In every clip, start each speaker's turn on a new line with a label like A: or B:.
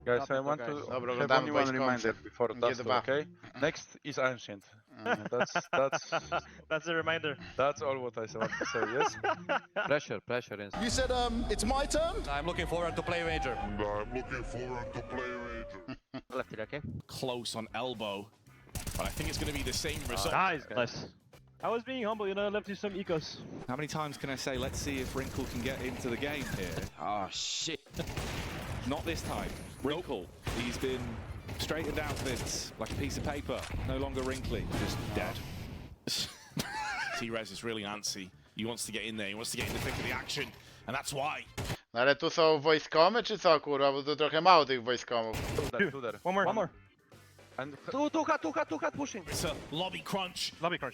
A: Guys, I want to
B: Dobra,
A: have
B: oglądamy
A: only one
B: Voice
A: reminder before
B: G2.
A: Duster, okay? Next is Ancient.
C: That's a reminder.
A: That's all what I want to say, yes?
D: Pressure.
E: You said, it's my turn?
D: I'm looking forward to play Ranger.
F: Left it, okay?
G: Close on elbow. But I think it's going to be the same result.
C: Nice. I was being humble, you know, I left you some ecos.
G: How many times can I say, let's see if Wrinkle can get into the game here?
D: Oh shit.
G: Not this time. Wrinkle, he's been straightened out of this like a piece of paper. No longer wrinkly, just dead. T-Rez is really antsy. He wants to get in there, he wants to get in the thick of the action. And that's why.
B: No ale tu są wojskomy czy co kurwa, bo tu trochę mało tych wojskomów.
A: Two there.
C: One more.
A: And
F: Two cut pushing.
G: It's a lobby crunch.
C: Lobby crunch.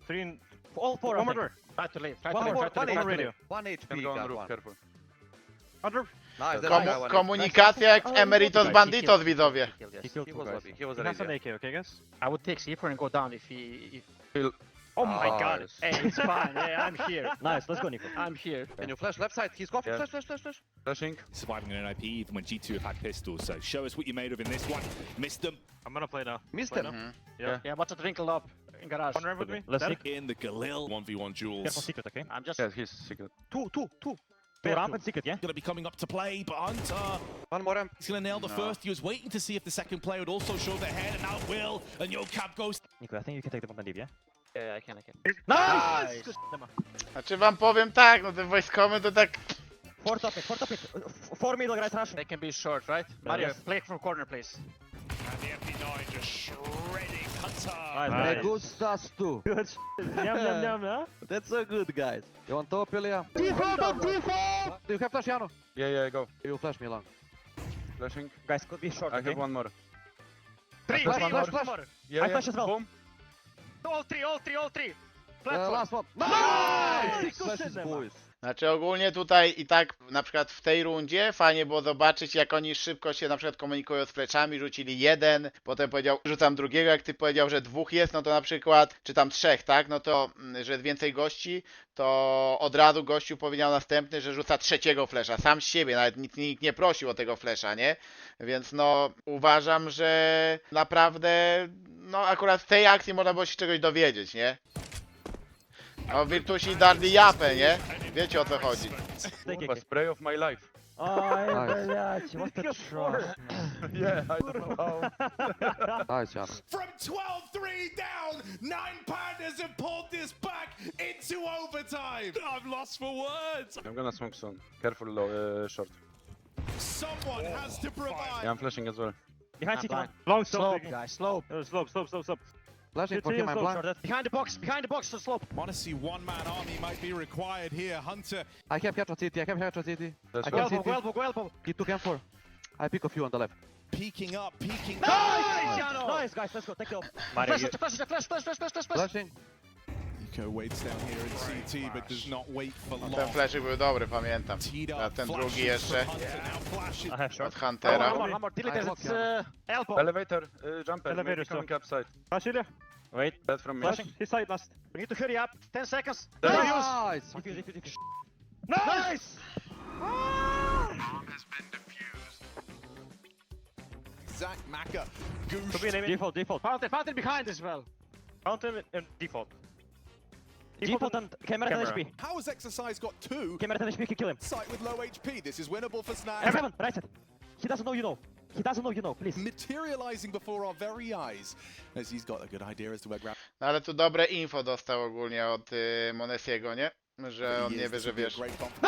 C: All four.
F: One more door. Try to leave.
C: One more radio.
F: 1
A: can
F: HP.
A: go on
F: got
A: roof,
F: one.
A: careful.
C: Under.
F: Nice.
B: Komunikacja jak Emeritus Banditos, widzowie.
F: He was lobby. He was
C: He has an
F: radio.
C: AK, okay, guys?
F: I would take C4 and go down if he.
C: Oh my
F: Oh,
C: god.
F: yes.
C: Hey, it's fine. Yeah, I'm here. Nice, let's go, Nico.
F: I'm here. Can you flash left side? He's coughing.
A: Yeah.
F: Flash.
A: Flashing.
G: Surviving an NIP even when G2 have had pistols. So show us what you're made of in this one. Missed them.
C: I'm gonna play now.
F: Missed
C: Play
F: him.
C: now.
A: Yeah.
F: Yeah, watch it wrinkle up in garage.
C: One ramp with me.
G: Let's
C: Dead.
G: in the Galil 1v1
C: Careful
G: duels.
C: secret, okay?
F: I'm just
A: Yes, he's secret.
F: two.
C: Two ramp and secret, yeah?
G: Going to be coming up to play, but Hunter,
F: One more ramp.
G: he's going to nail the
B: No.
G: first. He was waiting to see if the second player would also show their head, and now it will. And YoCab goes.
C: Nico, I think you can take the one and leave, yeah?
F: Yeah, I can.
C: Nice!
B: Znaczy wam powiem tak, no te wojskomy to tak...
C: Four top it. Four middle, guys, rush.
F: They can be short, right? Mario, play from corner, please.
G: And the FD9 just shredding Hunter.
C: Nice.
D: Me gustas tu.
C: Good. Yum, huh?
D: That's so good, guys. You want top, Ilya?
C: Default!
D: Do you have flash, Jano?
A: Yeah, go.
D: You flash me long.
A: Flashing.
C: Guys, could be short,
A: I
C: okay?
A: have one more.
C: Three,
D: Flash,
C: one
D: flash,
C: more.
D: flash.
A: Yeah,
C: I flash as well.
A: Boom.
C: All three.
D: Last one.
C: Nice!
D: Flashes, boys.
B: Znaczy ogólnie tutaj i tak na przykład w tej rundzie fajnie było zobaczyć jak oni szybko się na przykład komunikują z fleczami, rzucili jeden, potem powiedział rzucam drugiego, jak ty powiedział, że dwóch jest, no to na przykład, czy tam trzech, tak, no to, że jest więcej gości, to od razu gościu powiedział następny, że rzuca trzeciego flesza, sam z siebie, nawet nikt nie prosił o tego flesza, nie? Więc no uważam, że naprawdę, no akurat z tej akcji można było się czegoś dowiedzieć, nie? No Virtusi darli japę, nie? Wiecie o co chodzi.
A: Kurwa, spray of my life.
C: Oj, blядь, what the trash, man.
A: Yeah, I don't know how.
D: Nice, Jano.
G: From 12-3 down, 9 Pandas have pulled this back into overtime. I'm lost for words.
A: I'm gonna smoke soon. Careful, low, short.
G: Someone has to provide.
A: Yeah, I'm flashing as well.
C: Behind city,
F: blind.
C: man. Long
F: Slope,
C: slope.
F: guys, slope.
C: Slope.
D: Flashing for him, I'm blind.
F: Behind the box, to slope.
G: Honestly, one-man army might be required here. Hunter.
D: I have headshot city.
A: That's
D: I
A: well.
D: can see
F: Elbow, elbow.
D: He took M4. I pick a few on the left.
G: Peeking up.
C: Nice, guys, let's go, take it off.
F: Flash.
D: Flashing.
G: Nico waits down here in CT, but does not wait for
B: No,
G: long.
B: ten flashy był dobry, pamiętam.
G: Teed
B: A
G: up,
B: ten
G: flashes
B: drugi jeszcze
G: from Hunter, now flashes.
C: I have short.
B: od Huntera.
F: One more. Delete
D: I
F: it. It's
D: block
F: elbow.
A: Elevator, jumper,
C: Elevator
A: maybe coming
C: stop.
A: upside.
C: Flash, Ilya. Wait.
A: Dead from me.
C: Flashing. His side last.
F: We need to hurry up. 10 seconds.
D: Nice.
C: Defuse.
F: Nice!
G: Zach Maka.
C: Could be an aim. Default.
F: Fountain behind as well.
C: Fountain and default. Default and camera 10 HP.
G: How has Exercise got 2?
C: Camera 10 HP can kill him.
G: Sight with low HP. This is winnable for Snag.
C: F7, right side. He doesn't know you know. Please.
G: Materializing before our very eyes, as he's got a good idea as to where Grab.
B: No ale tu dobre info dostał ogólnie od Monesiego, nie? Że on nie wie, że wiesz.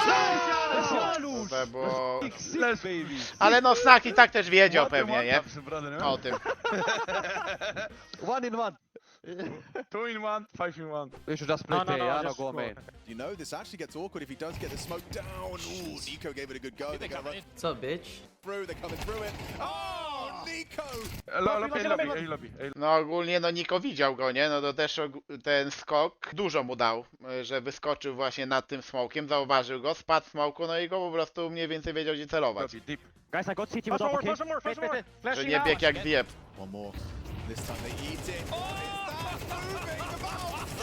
B: To było...
A: Let's baby.
B: Ale no Snak i tak też wiedział pewnie, nie? O tym.
D: 1 in 1.
A: 2 in 1, 5 in 1.
D: We should just play Jano,
F: just
D: go
F: go.
D: main.
G: You know, this actually gets awkward if he does get the smoke down. Ooh, Nico gave it a good go. They're gonna run
H: What's up, bitch?
G: through. They're coming through it. Oh, Nico!
A: Lobby.
B: No ogólnie no Niko widział go, nie? No to też ten skok dużo mu dał, że wyskoczył właśnie nad tym smokiem, zauważył go, spadł w smoku, no i go po prostu mniej więcej wiedział gdzie celować.
A: Lobby, deep.
C: Guys, I got CT with up, okay?
B: Że nie biegł jak zjeb.
G: One more. This time they eat it. Oh, it's that moving. The Valve signature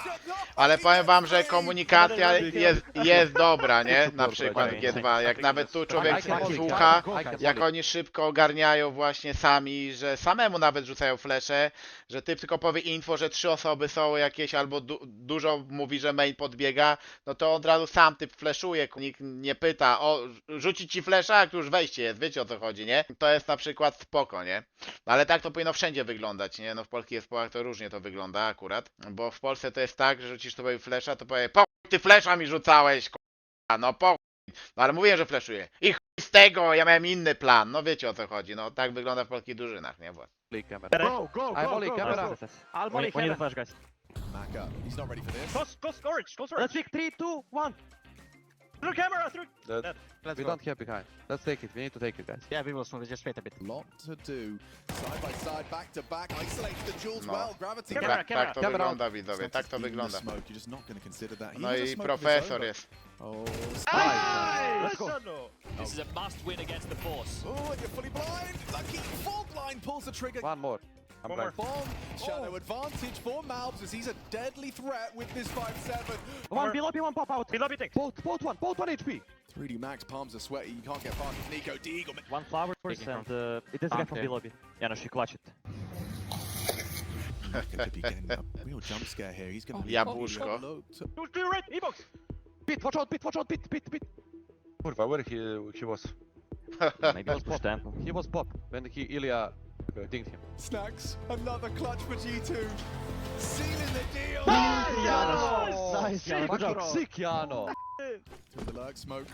B: Ale powiem wam, że komunikacja jest dobra, nie? Na przykład G2. Jak nawet tu człowiek słucha, jak oni szybko ogarniają właśnie sami, że samemu nawet rzucają flesze, że typ tylko powie info, że 3 osoby są jakieś, albo dużo mówi, że main podbiega, no to od razu sam typ fleszuje, nikt nie pyta, o, rzucić ci flesza, jak już wejście jest, wiecie o co chodzi, nie? To jest na przykład spoko, nie? Ale tak to powinno wszędzie wyglądać, nie? No w polskich zespołach to różnie to wygląda akurat, bo w Polsce to jest tak, że rzucisz tutaj flesza, to powie, po chuj ty flesza mi rzucałeś, k***a, no po chuj. No ale mówiłem, że fleszuję. I chuj z tego, ja miałem inny plan, no wiecie o co chodzi, no tak wygląda w polskich drużynach, nie? Bo...
D: Camera.
F: Go, go,
D: I'm
F: go,
D: molly,
F: go,
D: camera.
F: go.
C: Nice.
F: I'll
C: We
F: molly
C: need a
F: camera.
C: flash, guys.
E: Back up. He's not ready for this.
F: Close orange, close orange.
C: Let's pick 3, 2, 1.
F: Through camera, through.
A: Dead.
F: Let's
D: We
F: go.
D: don't have behind. Let's take it. We need to take it, guys.
F: Yeah, we will soon. Just wait a bit.
E: Lot to do. Side by side, back to back. Isolates the Jules
B: No.
E: well. Gravity.
F: Camera,
B: Tak,
F: camera.
B: tak to
D: Camera.
B: wygląda, widzowie, tak to
E: Even the
B: wygląda.
E: smoke, you're just not going to consider that. He
B: No
E: was a
B: i
E: smoke of his
B: profesor
E: own,
B: jest.
E: but- Oh,
F: Let's go.
H: This is a must win against the Force.
E: oh, and you're fully blind. Lucky full blind pulls the trigger.
D: One more.
A: I'm
F: One more.
A: blind.
E: Bomb shadow advantage for Malbs as he's a deadly threat with this 5-7.
C: One below, one pop out.
F: We lobby thing.
D: Both one HP.
E: 3D Max palms are sweaty. You can't get past Nico Deagle.
C: One flower and it is a guy from
D: Okay.
C: below. Yeah, no, she clutched it.
E: Going to be getting a real jump scare here. He's going to be
B: Jabłuszko.
E: low to-
F: Do you right? E-box.
D: Pit, watch out, pit.
A: Kurwa, where he was?
C: Maybe it was push tempo.
D: He was pop when Ilya dinged him.
E: Snacks, another clutch for G2. Sealing the deal.
F: Janos. Nice, Janos. Good job.
D: Sick, Jano.
E: To the lurk smoke.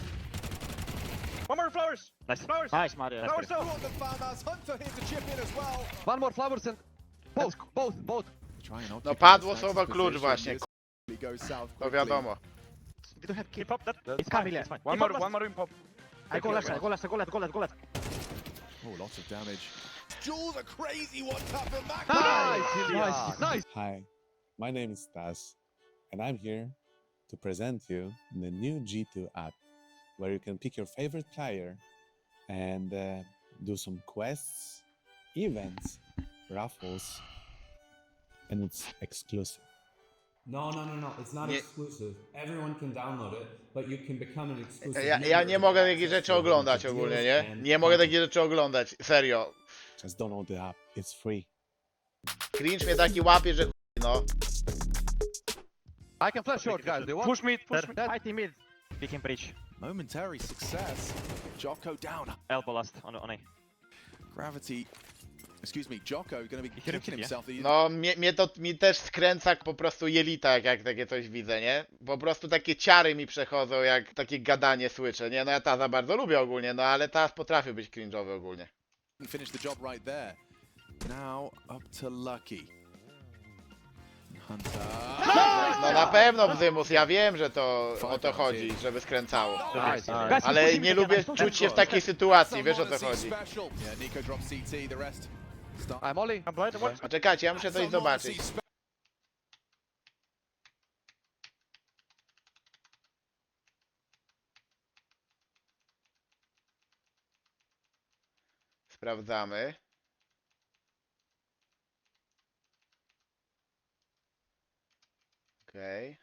F: One more flowers.
C: Nice.
F: Flowers.
C: Nice, Mario.
F: Flowers
C: Nice.
F: still.
E: Brought the farmhouse. Hunter here to chip in as well.
D: One more flowers and both.
E: Try and
B: No
E: occupy
B: padło
E: Snacks'
B: słowo klucz
E: position.
B: właśnie,
E: This goes south
B: to
E: quickly.
B: wiadomo.
F: We don't have keep up that.
C: It's fine, it's fine.
A: One more in pop.
F: I go left, I go left, I go left, go left, go left.
E: Oh, lots of damage. Jules, a crazy one tap in back.
D: Nice, Ilya. Nice.
I: Hi, my name is Stas, and I'm here to present you the new G2 app, where you can pick your favorite player and do some quests, events, raffles, and it's exclusive.
J: No, it's not
B: Nie-
J: exclusive. Everyone can download it, but you can become an exclusive
B: Ja
J: member
B: nie
J: to
B: mogę
J: get
B: takich
J: access
B: rzeczy
J: to
B: oglądać
J: deals
B: ogólnie, nie?
J: and
B: Nie mogę
J: content.
B: takich rzeczy oglądać, serio.
I: Just download the app, it's free.
B: Cringe mnie taki łapie, że chuj, no.
D: I can flash short, guys. They want.
F: Push mid, push mid.
D: Dead.
F: IT mid.
C: Pick him breach.
E: Momentary success. Jocko down.
C: Elbow last on A.
E: Gravity. Excuse me, Jocko going to be
C: hit him,
E: kicking
C: yeah.
E: himself.
B: No, mi też skręca po prostu jelita, jak takie coś widzę, nie? Po prostu takie ciary mi przechodzą, jak takie gadanie słyszę, nie? No ja Taza bardzo lubię ogólnie, no ale Taz potrafi być cringe'owy ogólnie.
E: Finish the job right there. Now up to Lucky. Hunter.
B: No na pewno Bzymus, ja wiem, że to o to chodzi, żeby skręcało.
D: Nice.
C: Guys,
B: Ale
C: pushing
B: nie
C: again,
B: lubię
C: nice.
B: czuć się w takiej sytuacji,
E: Some
B: wiesz o co
E: Odyssey
B: chodzi.
E: special. Yeah, Nico drops CT, the rest. Start.
D: I'm Ollie.
F: I'm blind. One.
B: A czekajcie, ja muszę coś
E: Some
B: zobaczyć.
E: Odyssey spe-
B: Sprawdzamy. Okej.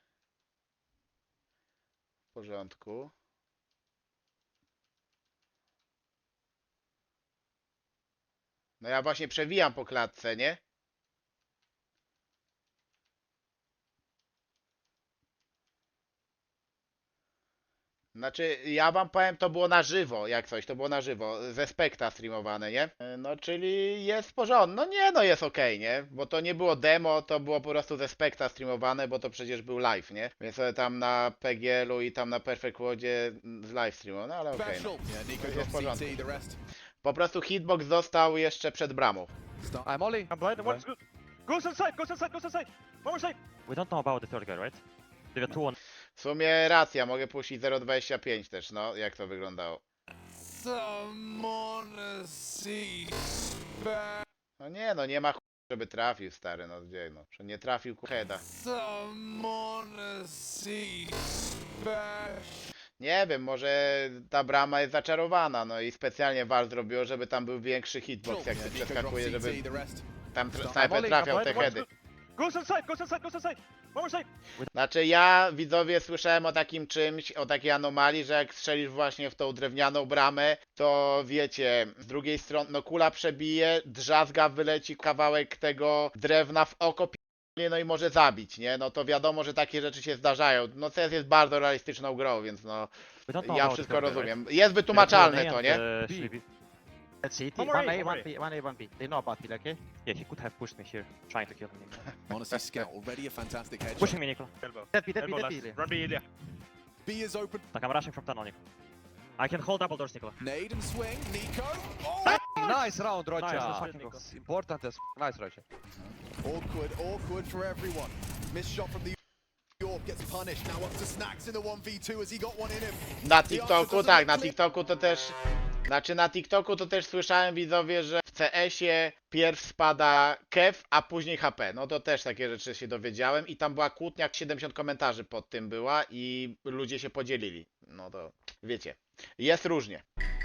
B: W porządku. No ja właśnie przewijam po klatce, nie? Znaczy, ja wam powiem, to było na żywo, jak coś, to było na żywo, ze Spekta streamowane, nie? No, czyli jest w porządku, no nie, no jest okej, nie? Bo to nie było demo, to było po prostu ze Spekta streamowane, bo to przecież był live, nie? Więc sobie tam na PGL-u i tam na Perfect Worldzie z live streamu, no ale okej, no.
E: special. Yeah, Nico
B: Jest
E: drops
B: w porządku.
E: CT, the rest.
B: Po prostu hitbox został jeszcze przed bramą.
E: Start.
D: I'm Ollie.
F: I'm blind. One's good. Goes inside, goes inside, goes inside. One more side.
C: We don't know about the third guy, right? They got 2 on.
B: W sumie racja, mogę puścić 0.25 też, no, jak to wyglądało. No nie, no nie ma chuj, żeby trafił, stary, no gdzie, no. Że nie trafił heada. Nie wiem, może ta brama jest zaczarowana, no i specjalnie Val zrobiło, żeby tam był większy hitbox, jak ty
E: Yeah, Nico drops
B: przeskakuje, żeby
E: CT, the rest.
B: tam snajper trafiał te
F: One's
B: heady.
F: good. Goes inside, goes inside, goes inside. more side.
B: Znaczy ja, widzowie, słyszałem o takim czymś, o takiej anomalii, że jak strzelisz właśnie w tą drewnianą bramę, to wiecie, z drugiej strony, no kula przebije, drzazga, wyleci kawałek tego drewna w oko, no i może zabić, nie? No to wiadomo, że takie rzeczy się zdarzają. No CS jest bardzo realistyczną grą, więc no,
C: We don't know
B: ja
C: about
B: wszystko
C: Camera,
B: rozumiem. Jest wytłumaczalne
C: right?
B: to, nie?
C: Let's see.
F: One more A, one more A.
C: 1A. They know about it, okay? Yeah, he could have pushed me here, trying to kill me.
E: Honestly, Scout already a fantastic headshot.
C: Pushing me, Nicola.
F: Elbow.
C: Dead B, dead B,
F: Elbow
C: dead B.
F: last.
C: Ilya.
F: Run B, Ilya.
E: B is open.
C: Like, I'm rushing from tunnel, Nicola. I can hold double doors, Nicola.
E: Nade and swing. Nico. Oh!
D: Nice round,
C: Nice, let's
D: Rocha.
C: fucking go.
D: It's important as nice, Rocha.
E: Awkward for everyone. Missed shot from the York gets punished. Now up to Snacks in the 1v2 as he got one in him.
B: Na TikToku, tak, na TikToku to też... Znaczy na TikToku to też słyszałem, widzowie, że w CS-ie pierw spada kev, a później HP. No to też takie rzeczy się dowiedziałem i tam była kłótnia, 70 komentarzy pod tym była i ludzie się podzielili. No to wiecie, jest różnie.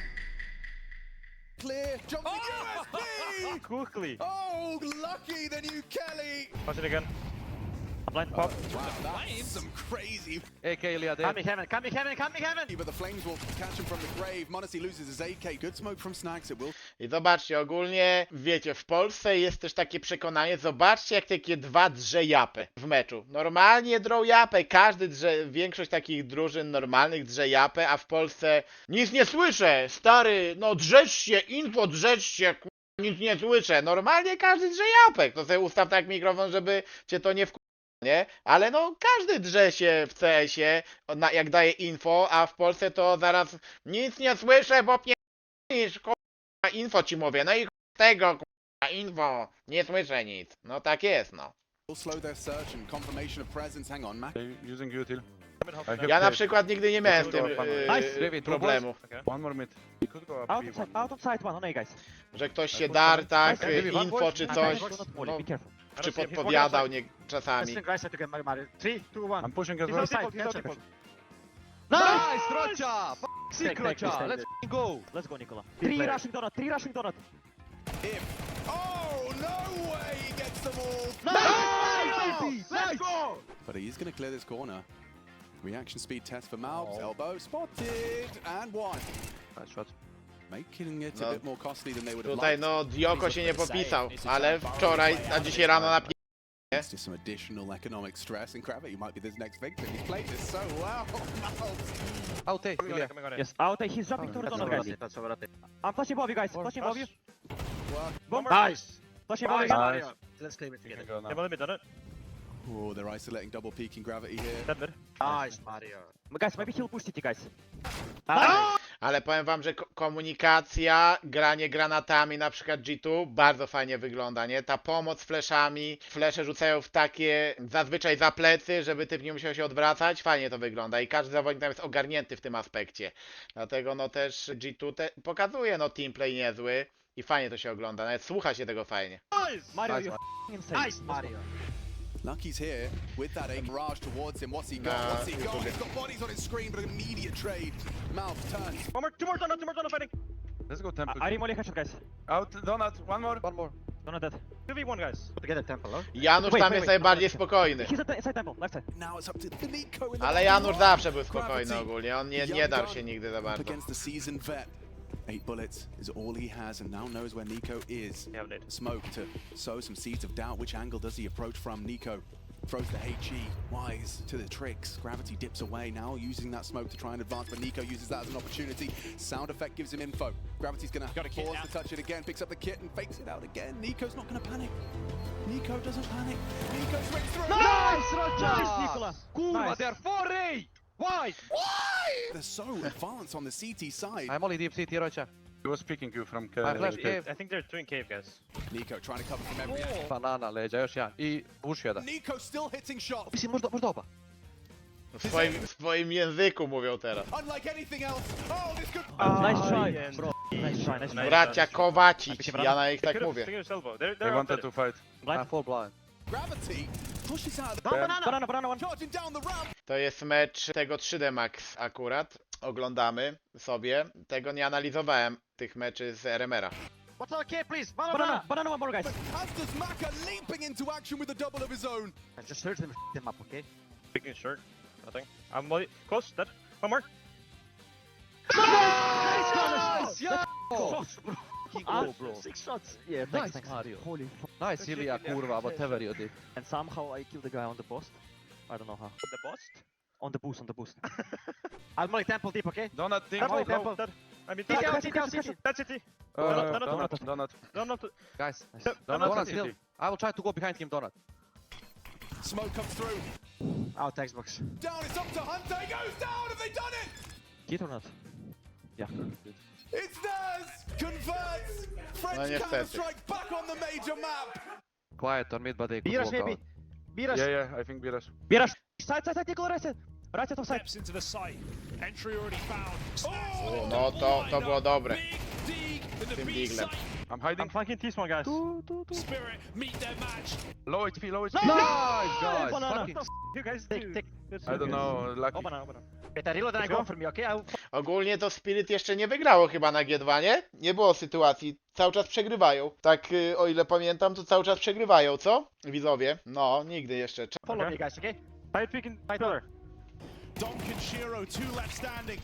E: Clear. Jumping USB.
F: Quickly.
E: Oh, lucky the new Kelly.
F: Pass it again.
C: Blind pop.
E: Wow, that's some crazy.
D: AK Ilya there.
C: Coming heaven, coming heaven, coming heaven!
E: But the Flames will catch him from the grave. Monacy loses his AK. Good smoke from Snacks. It will.
B: I zobaczcie, ogólnie, wiecie, w Polsce jest też takie przekonanie, zobaczcie jak takie dwa drze japę w meczu. Normalnie drą japę, każdy drze, większość takich drużyn normalnych drze japę, a w Polsce nic nie słyszę, stary, no drzesz się, info drzesz się, nic nie słyszę. Normalnie każdy drze japę, to sobie ustaw tak mikrofon, żeby cię to nie nie? Ale no każdy drze się w CS-ie, jak daje info, a w Polsce to zaraz nic nie słyszę, bo pierdolisz, info ci mówię, no i tego info, nie słyszę nic. No tak jest, no.
E: Will slow their search and confirmation of presence. Hang on, Mac.
A: They using util. I have
B: Ja na
A: cave.
B: przykład nigdy nie miałem z tym
C: Nice.
D: David,
B: problemu,
A: One more mid. He could go up B1.
C: Out of sight one, on A, guys.
B: że ktoś się dar, tak,
C: Nice.
B: info czy coś, no,
C: Be careful.
B: czy podpowiadał czasami.
C: Listen, guys, I have to get Mario. 3, 2, 1.
A: I'm pushing as
F: He's
A: well.
F: on default,
C: Side,
F: he's on
C: catch
F: default.
D: Nice, Rocha. Sick,
C: Take,
D: Rocha.
C: take.
D: Let's f***ing go.
C: Let's go, Nicola.
F: Team
C: 3
F: player.
C: rushing donut, 3 rushing donut.
E: Oh, no way he gets them all.
D: Nice,
F: Let's go!
E: But he's going to clear this corner. Reaction speed test for Malbs. Elbow spotted. And one.
D: Nice shot.
E: Making it
B: No.
E: a bit more costly than they would have
B: Tutaj
E: liked.
B: no Dioko się nie popisał, ale wczoraj, a dzisiaj rano na
E: It's just some additional economic stress, and Gravity might be this next victim. He's played this so well. Malbs.
D: Out A,
F: Coming on
D: Ilya.
F: it, coming on it.
C: Yes, out A, he's jumping towards donut, guys. I'm flashing above you, guys. Flashing above you.
F: One more.
C: Nice. Flashing above you.
A: Nice.
C: Let's claim it
A: You can
C: together.
A: go
F: Yeah,
A: now.
F: limit on it.
E: Oh, they're isolating double peeking Gravity here.
F: Dead mid.
C: Nice, Mario. Guys, maybe he'll push city, guys.
B: Ale powiem wam, że komunikacja, granie granatami, na przykład G2, bardzo fajnie wygląda, nie? Ta pomoc fleszami, flesze rzucają w takie, zazwyczaj za plecy, żeby typ nie musiał się odwracać, fajnie to wygląda i każdy zawodnik tam jest ogarnięty w tym aspekcie. Dlatego no też G2 pokazuje no teamplay niezły i fajnie to się ogląda, nawet słucha się tego fajnie.
C: Mario,
D: Nice,
C: you're f***ing insane. Nice, Mario.
E: Lucky's here with that aim barrage towards him. What's he got?
B: Nah,
E: What's he
B: it's
E: got?
B: all
E: He's got bodies on his screen, but an immediate trade. Malbs turns.
F: One more, two more donut fighting.
A: Let's go temple.
C: I remolly headshot, guys.
A: Out donut. One more.
D: One more.
C: Donut dead.
F: 2v1, guys.
C: Together temple, no?
B: Janusz
C: Wait,
B: tam
C: wait,
B: jest
C: wait.
B: najbardziej spokojny.
C: He's at inside temple, left side.
E: Now it's up to the Nico in the
B: Ale Janusz zawsze był spokojny
E: Gravity.
B: ogólnie, on nie darł się nigdy za
E: Up
B: bardzo.
E: against the seasoned vet. 8 bullets is all he has, and now knows where Nico is.
F: Yeah, nade.
E: Smoke to sow some seeds of doubt. Which angle does he approach from? Nico throws the HE, wise to the tricks. Gravity dips away, now using that smoke to try and advance, but Nico uses that as an opportunity. Sound effect gives him info. Gravity's gonna
H: Got a kit
E: pause
H: now.
E: to touch it again, picks up the kit and fakes it out again. Nico's not gonna panic. Nico doesn't panic. Nico swings through.
D: Nice, Rocha.
C: Nice, Nicola.
D: Kurwa,
C: Nice.
D: they're 4A. Why?
E: They're so advanced on the CT side.
D: I'm only deep CT, Rocha.
A: He was picking you from
D: I flash
A: cave.
D: A.
F: I think they're doing cave, guys.
E: Nico trying to cover from every angle.
D: Banana, leđa, još jedan. I uši jedan.
E: Nico still hitting shots.
D: Mislim, možda oba.
B: W swoim języku mówią teraz.
E: Unlike anything else. Oh, this could.
C: Nice try,
F: and-
C: bro. Nice try, nice try.
B: Bracia Kowacic, ja na nich
F: They
B: tak
F: could've
B: mówię.
F: taken his elbow. They're
A: They wanted to fight.
C: Blind.
D: Full blind.
E: Gravity pushes out.
C: Banana one.
E: Charging down the ramp.
B: To jest mecz tego 3D Max akurat. Oglądamy sobie. Tego nie analizowałem, tych meczy z RMR-a.
D: What's okay, please?
C: Banana, banana, one more, guys.
E: As does Maka leaping into action with a double of his own.
D: Just search them up, okay?
F: Picking short. Nothing. I'm close. Dead. One more.
D: Nice! Yeah!
C: Close, bro.
D: Fucking go, bro.
C: 6 shots. Yeah,
D: Nice,
C: thanks,
D: Mario.
C: Holy fuck.
D: Nice, Ilya, kurwa, whatever you did.
C: And somehow I killed the guy on the post. I don't know how.
F: The boss.
C: On the boost, on the boost.
D: I'll molly temple deep, okay?
A: Donut, ding,
F: Temple,
A: go, go.
F: dead. I mean,
C: City out,
F: dead.
C: city out, city.
F: Dead city.
A: Donut.
F: Donut.
D: Guys,
F: Donut
D: Donut
F: city.
D: still. I will try to go behind him, Donut.
E: Smoke comes through.
D: Out Xbox.
E: Down, it's up to Hunter. He goes down. Have they done it?
C: Hit or not? Yeah.
E: It's theirs. Converts. French
B: niestety.
E: Counter-Strike back on the major map.
D: Quiet on mid, but they could
C: Birash
D: walk
C: maybe.
D: out.
C: Birash.
A: Yeah, I think Birash.
C: Birash. Side, side, side, Nicole, right side. Right side of side.
H: Steps into the site. Entry already found.
B: O, no to było dobre. Tym diglem.
A: I'm hiding.
F: I'm flanking T-spawn, guys.
H: Spirit meet their match.
A: Low HP, low HP.
D: Nice, guys!
F: Banana.
D: Fucking
F: You guys
C: Take,
F: do.
C: take.
A: I don't know, lucky.
F: Open, open.
C: Wait, I reload and I go for me, okay?
B: Ogólnie to Spirit jeszcze nie wygrało chyba na G2, nie? Nie było sytuacji. Cały czas przegrywają. Tak, o ile pamiętam, to cały czas przegrywają, co? Widzowie? No, nigdy jeszcze.
C: Follow
F: Okay.
C: me, guys, okay?
F: Side peeking. Pillar.
E: Donk and Shiro, 2 left standing.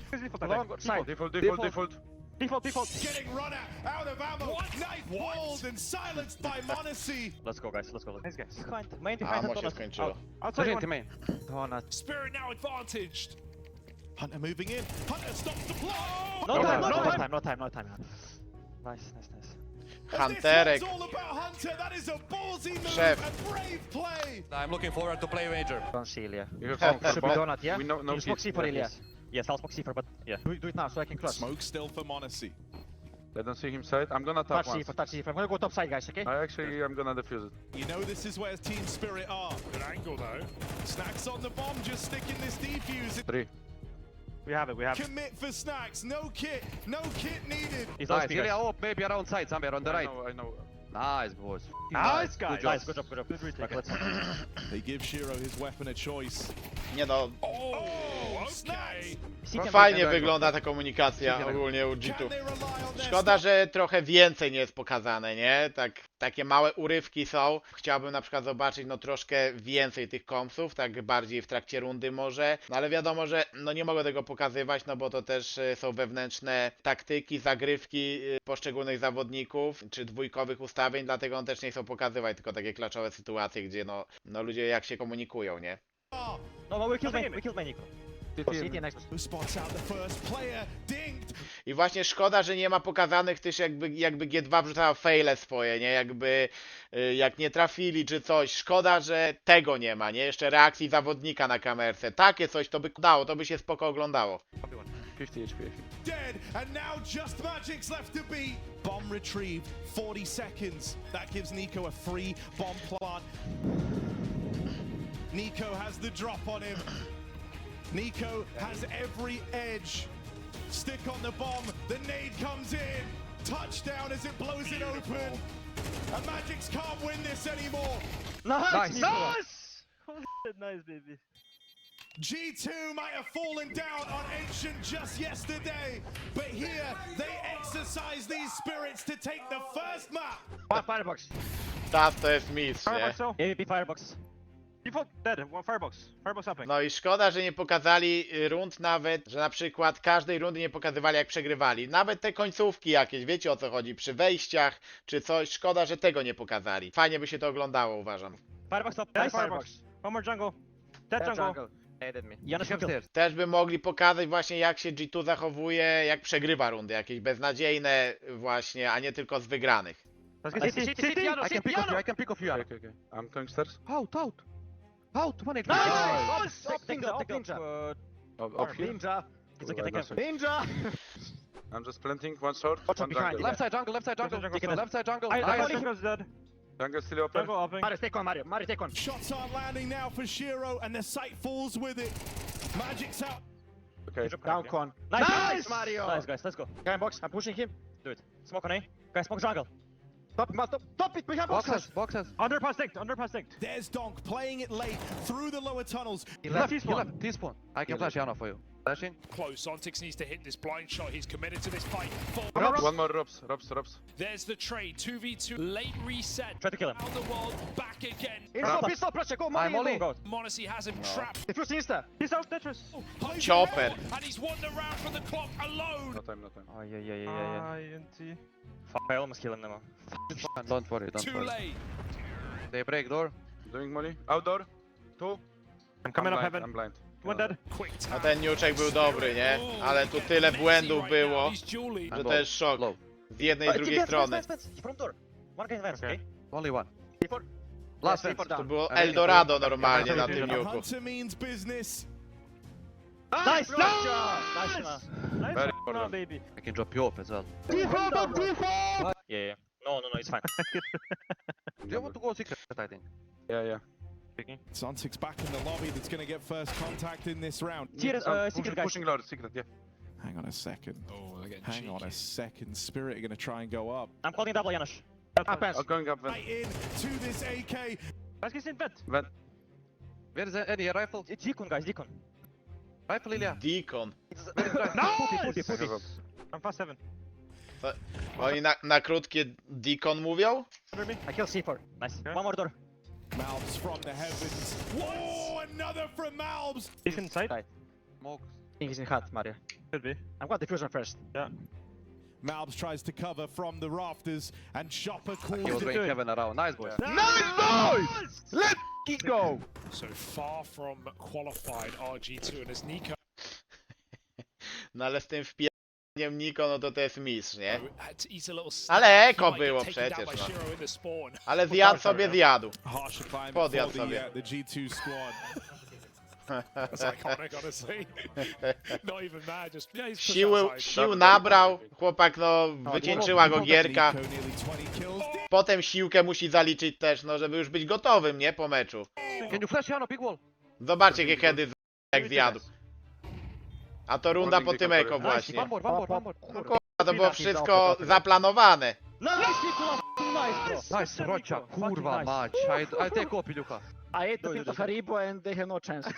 A: Default.
F: Default.
E: Getting run out of ammo. Knife pulled and silenced by Monacy.
F: Let's go, guys. Let's go. Nice, guys.
C: Behind. Main
B: A,
C: behind
B: mo
C: and
B: się
C: Donut.
B: skończyło.
F: Outside one.
D: main.
C: Donut.
H: Spirit now advantaged.
E: Hunter moving in. Hunter stops the blow.
C: No
F: No
C: time,
F: time,
C: no
F: no
C: time,
F: time.
C: no time, no time. Nice, nice, nice.
B: Hunterek.
E: It's all about Hunter. That is a ballsy move.
B: Szef.
E: A brave play.
D: I'm looking forward to play Major.
C: Don't see Ilya.
A: You have
C: Should be Donut, yeah?
A: We know, no
C: You smoke C
A: hit.
C: for Ilya.
F: Yes, I'll smoke C4, but yeah.
C: Do it now so I can cross.
E: Smoke still for Monacy.
A: I don't see him side. I'm gonna tap
C: Touch
A: once.
C: C4, touch C4. I'm gonna go top side, guys, okay?
A: I'm gonna defuse it.
E: You know this is where Team Spirit are.
H: Good angle though.
E: Snacks on the bomb, just sticking this defuse.
A: 3.
F: We have it. We have it.
E: Commit for Snacks. No kit needed.
F: He's
D: Nice,
F: OSP,
D: Ilya,
F: guys.
D: oh, maybe around side, somewhere on the right.
A: I know.
D: Nice, boys.
F: Nice, guys.
D: Good job.
F: Nice, good job, good job. Good retake. Let's.
E: They give Shiro his weapon of choice.
B: Nie no,
H: Oh,
E: Snacks.
C: City and
B: fajnie
A: Dobra.
B: wygląda ta komunikacja ogólnie u
E: Can
B: G2.
E: they rely on their
B: Szkoda, że trochę więcej nie jest pokazane, nie? Takie małe urywki są. Chciałbym na przykład zobaczyć no troszkę więcej tych kompsów, tak bardziej w trakcie rundy może. No ale wiadomo, że no nie mogę tego pokazywać, no bo to też są wewnętrzne taktyki, zagrywki poszczególnych zawodników, czy dwójkowych ustawień, dlatego on też nie chcą pokazywać, tylko takie klaczowe sytuacje, gdzie no ludzie jak się komunikują, nie?
C: No, we killed main, Nico. City next.
E: Who spots out the first player? Dinged.
B: I właśnie szkoda, że nie ma pokazanych też jakby G2 wrzucała faile swoje, nie? Jakby jak nie trafili czy coś. Szkoda, że tego nie ma, nie? Jeszcze reakcji zawodnika na kamerce. Takie coś to by dało, to by się spoko oglądało.
A: 50 HP, I think.
E: Dead, and now just Magic's left to beat. Bomb retrieved, 40 seconds. That gives Nico a free bomb plant. Nico has the drop on him. Nico has every edge. Stick on the bomb, the nade comes in. Touchdown as it blows it open. And Magic's can't win this anymore.
C: Nice!
F: Nice! Holy shit, nice, baby.
E: G2 might have fallen down on Ancient just yesterday, but here they exercise these spirits to take the first map.
C: One firebox.
B: Tas to jest mistrz, nie?
F: Firebox, so.
C: AVP firebox.
F: Default dead. One firebox. Firebox upping.
B: No i szkoda, że nie pokazali rund nawet, że na przykład każdej rundy nie pokazywali jak przegrywali. Nawet te końcówki jakieś, wiecie o co chodzi, przy wejściach czy coś, szkoda, że tego nie pokazali. Fajnie by się to oglądało, uważam.
C: Firebox top.
F: Dead
C: Nice
F: firebox. One more jungle. Dead jungle.
D: Aided me.
C: Janusz kill.
D: Upstairs.
B: Też by mogli pokazać właśnie jak się G2 zachowuje, jak przegrywa rundy, jakieś beznadziejne właśnie, a nie tylko z wygranych.
F: Let's get
C: City,
F: city.
C: city,
F: City.
D: I can pick off you, I can pick off you.
A: Okay. I'm going stairs.
D: Out. Out, 1 HP.
F: Nice!
C: Top ninja, top ninja.
A: Up here.
C: Ninja.
F: It's okay, take him.
C: Ninja!
A: I'm just planting one short,
C: Watch
A: one
C: out behind
A: jungle.
C: you.
D: Left side jungle, left side jungle.
F: Left side jungle.
D: Left side jungle.
F: I
D: Nice.
F: think hero's dead.
A: Jungle still open.
F: Jungle upping.
C: Mario, take one, Mario. Mario, take one.
E: Shots aren't landing now for Shiro, and the sight falls with it. Magic's out.
A: Okay.
C: Down con.
F: Nice!
C: Mario!
F: Nice, guys. Let's go.
C: Guy in box, I'm pushing him.
F: Do it. Smoke on A. Guys, smoke jungle.
C: Top it, behind box.
D: Boxes.
F: Underpass dinked.
E: There's Donk playing it late through the lower tunnels.
D: He left,
F: T-spawn.
D: T-spawn. I can flash Yana for you. Flash in.
H: Close. Ontix needs to hit this blind shot. He's committed to this fight.
A: One more Robs.
H: There's the trade. 2v2. Late reset.
C: Try to kill him.
H: Out the wall. Back again.
D: Pistol, pressure, go, Molly,
C: I'm
D: Molly.
C: Molly.
H: Monacy has him trapped.
D: Defuse insta.
F: He's out, Tetris.
H: Plays
B: Chopper.
H: around, and he's won the round from the clock alone.
A: No time.
C: Oh, yeah.
F: INT.
C: Fuck, I almost killed him now.
D: Don't worry, don't
H: Too
D: worry.
H: late.
D: They break door.
A: Doing molly. Outdoor. 2.
F: I'm coming up
A: blind,
F: heaven.
A: I'm blind.
F: One dead.
H: Quick
B: No
H: tap.
B: ten niuczek był dobry, nie? Ale tu tyle błędów było, że to jest szok.
D: Low.
B: Z jednej i drugiej strony.
C: From door. One guy in vents,
F: Okay.
C: okay?
D: Only one. Last
C: Yes,
D: fence.
B: To było Eldorado normalnie na tym niuku.
H: Hunter means business.
C: Nice! Nice! Nice!
F: Nice
A: Very
F: one,
A: important.
F: baby.
D: I can drop you off as well.
C: Yeah. No, it's fine.
D: Do you want to go secret, I think?
A: Yeah.
G: Zontic's back in the lobby that's going to get first contact in this round.
C: Secret guys.
A: Pushing Lord. Secret. Yeah.
G: Hang on a second.
H: Oh, they're getting
G: Hang on a
H: cheeky.
G: second. Spirit are going to try and go up.
C: I'm calling double, Janusz.
A: Oh, going up.
H: Right in to this AK.
F: Let's get in bed.
A: Vent.
D: Where is any rifle?
C: It's Deacon, guys, Deacon.
D: Rifle, Ilya.
B: Deacon.
F: Nice! I'm fast 7.
B: Oni na krótkie Deacon mówią?
F: Under me.
C: I kill C4. Nice.
F: Okay.
C: One more door.
H: Malbs from the heavens. Whoa, another from Malbs.
F: He's inside.
C: Right.
D: Smoke.
C: I think he's in hut, Mario.
F: Could be.
C: I'm going diffusion first.
G: Malbs tries to cover from the rafters, and Chopper
D: He
G: calls
D: was
G: it.
D: going heaven around. Nice, boys.
F: Let's go!
H: So far from qualified RG2, and as Nico
B: No ale z tym wpijaniem Niko, no to jest mistrz, nie?
H: had to eat a little snack,
B: Ale
H: he
B: eko
H: might get
B: było
H: taken down
B: przecież,
H: by
B: no.
H: Shiro in the spawn.
B: Ale zjadł sobie zjadł.
G: Harsher climb
B: Podjadł
G: for
B: sobie.
G: the G2 squad.
H: That's iconic, honestly. Not even that, just yeah, he's pushed outside.
B: Sił nabrał, chłopak no wycieńczyła go gierka.
G: Nico nearly 20 kills.
B: Potem siłkę musi zaliczyć też, no żeby już być gotowym, nie? Po meczu.
D: Can you flash Jano, big wall?
B: Zobaczcie jakie heady jak zjadł. A to runda po tym eko właśnie.
D: One more.
B: No kurwa, to było wszystko zaplanowane.
C: Nice, Nicola! Nice, bro!
D: Nice, Rocha.
C: Fucking
D: Kurwa
C: nice.
D: mać. I take op, Iluka.
C: I ate the bit of Haribo and they have no chance.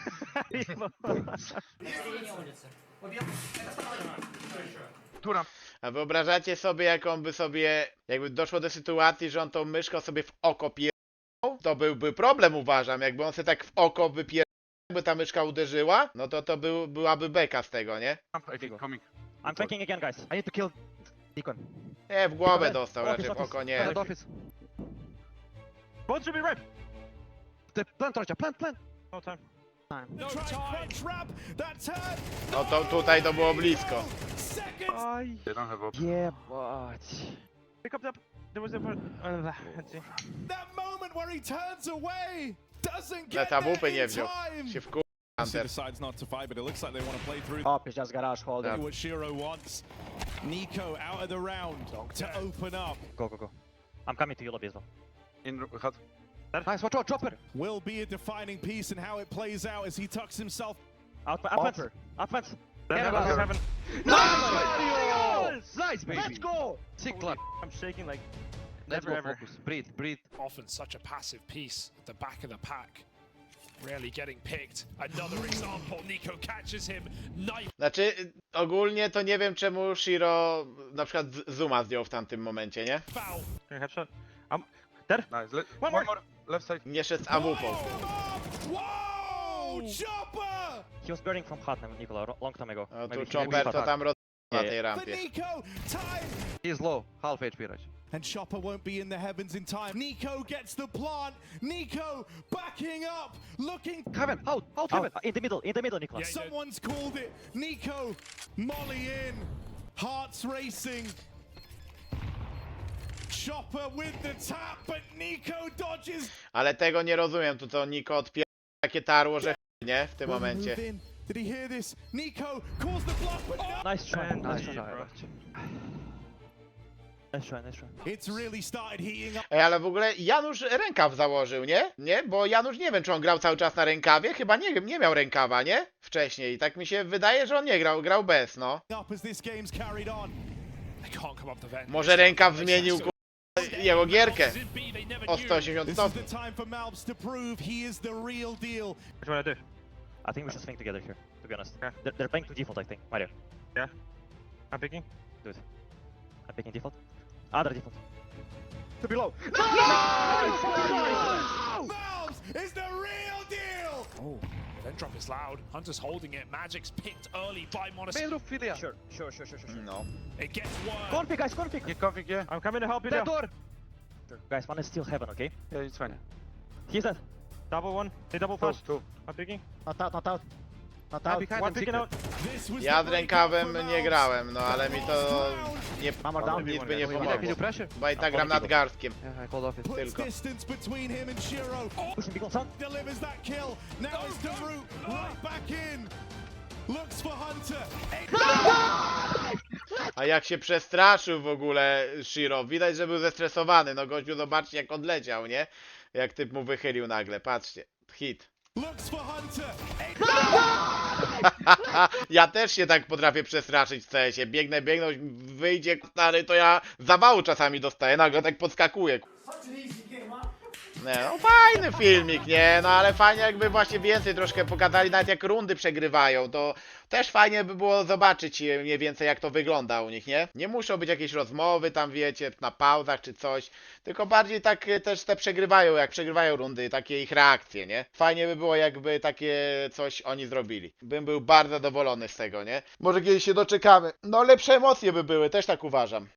A: Turam.
B: A wyobrażacie sobie, jak on by sobie, jakby doszło do sytuacji, że on tą myszką sobie w oko pierdolał? To byłby problem, uważam. Jakby on sobie tak w oko wypierdolał, jakby ta myszka uderzyła, no to byłaby beka z tego, nie?
A: I think coming.
C: I'm flanking again, guys. I need to kill Deacon.
B: Nie, w głowę dostał,
C: Office,
B: raczej w oko nie.
D: Head office.
F: Both should be red.
D: The plant, Rocha. Plant.
F: No time.
H: No crunch wrap, that turn.
B: No to tutaj to było blisko.
H: Seconds.
A: They don't have op.
C: Yeah, but...
F: Pick up the... There was a... let's see.
H: That moment where he turns away doesn't
B: Na
H: get
B: tabupy
H: there
B: nie
H: in
B: wziął.
H: time.
B: Się wkurzył
G: He
B: Hunter.
G: decides not to fight, but it looks like they want to play through
C: Oh, it's just garage holding.
G: what Shiro wants. Nico out of the round to open up.
C: Go. I'm coming to you, lobby as well.
A: In hut.
D: Nice, watch out, chopper.
G: Will be a defining piece in how it plays out as he tucks himself.
C: Outfence.
F: Heaven.
D: Nice, baby.
F: Let's go!
D: Sick clap.
F: I'm shaking like
D: Let's
F: never
D: go,
F: ever.
D: focus. Breathe.
H: Often such a passive piece at the back of the pack. Rarely getting picked. Another example, Nico catches him, knife.
B: Znaczy, ogólnie to nie wiem czemu Shiro na przykład Zuma zdjął w tamtym momencie, nie?
H: Foul.
F: Headshot.
A: Nice.
F: One
A: One
F: more.
A: more. Left side.
B: Nie szedł z AWP.
H: Whoa! Chopper!
C: He was burning from hut, Nicola, long time ago.
B: No tu
C: Maybe he
B: Chopper
C: maybe
B: to tam roz... na
C: Yeah,
B: tej
H: For
B: rampie.
H: Nico, time!
D: He's low. Half HP, Rocha.
G: And Chopper won't be in the heavens in time. Nico gets the plant. Nico backing up, looking.
D: Heaven. Out, heaven.
C: In the middle, Nicola.
H: Yeah.
G: Someone's called it. Nico, Molly in. Hearts racing. Chopper with the tap, but Nico dodges.
B: Ale tego nie rozumiem, tu to Niko odpiera takie tarło, że nie? W tym
G: Will
B: momencie.
G: move in. Did he hear this? Nico calls the block, but no!
C: Nice try,
F: And
C: nice
F: GG,
C: try.
F: bro.
C: Nice try.
G: It's really started heating up.
B: Ej, ale w ogóle Janusz rękaw założył, nie? Nie? Bo Janusz nie wiem, czy on grał cały czas na rękawie. Chyba nie miał rękawa, nie? Wcześniej. Tak mi się wydaje, że on nie grał bez, no.
G: Up as this game's carried on.
H: They can't come up the vent.
B: Może rękaw zmienił jego gierkę
H: Zin B, they never
B: o
H: knew.
B: 180
G: This is
B: stopni.
G: the time for Malbs to prove he is the real deal.
F: What do I do?
C: I think we should swing together here. to be honest.
F: Yeah.
C: They're playing to default, I think. Mario,
F: I'm picking.
C: I'm picking default. Other default.
F: To below.
E: Valves is the real deal!
H: Oh, event drop is loud. Hunter's holding it. Magic's picked early by Monas.
D: Main roof, Philia.
C: Sure.
B: No.
H: It gets worse.
C: Config, guys, config.
A: Get config, yeah.
F: I'm coming to help you
D: That
F: there.
D: door.
C: Sure. Guys, one is still heaven, okay?
A: Yeah, it's fine.
C: He's dead.
F: Double one. They double
A: Two,
F: fast.
A: two.
F: I'm picking.
C: Not out, not out. Not
D: I'm
C: out.
D: behind
F: One
D: them,
F: picking
D: secret.
F: out.
E: This was
B: Ja
E: the
B: z
E: breakout
B: rękawem
E: for
B: nie
E: Valves.
B: grałem, no ale mi to nie,
C: Hammer down.
B: nic by nie
D: Can you
B: pomogło.
D: pressure?
B: Bo i tak gram nadgarstkiem.
D: Yeah, I called off it.
E: Puts
B: Tylko.
E: distance between him and Shiro.
C: Pushing big on sound.
E: Delivers that kill. Now it's the root right back in. Looks for Hunter.
B: A jak się przestraszył w ogóle Shiro. Widać, że był zestresowany. No gościu, zobaczcie jak odleciał, nie? Jak typ mu wychylił nagle. Patrzcie. Hit.
E: Looks for Hunter.
B: Ja też się tak potrafię przestraszyć w CS-ie. Biegnę, wyjdzie stary, to ja zawału czasami dostaję. Nagle tak podskakuję. Nie, no fajny filmik, nie? No ale fajnie jakby właśnie więcej troszkę pokazali, nawet jak rundy przegrywają, to też fajnie by było zobaczyć mniej więcej jak to wygląda u nich, nie? Nie muszą być jakieś rozmowy tam, wiecie, na pauzach czy coś, tylko bardziej tak też te przegrywają, jak przegrywają rundy, takie ich reakcje, nie? Fajnie by było jakby takie coś oni zrobili. Bym był bardzo zadowolony z tego, nie? Może kiedyś się doczekamy. No lepsze emocje by były, też tak uważam.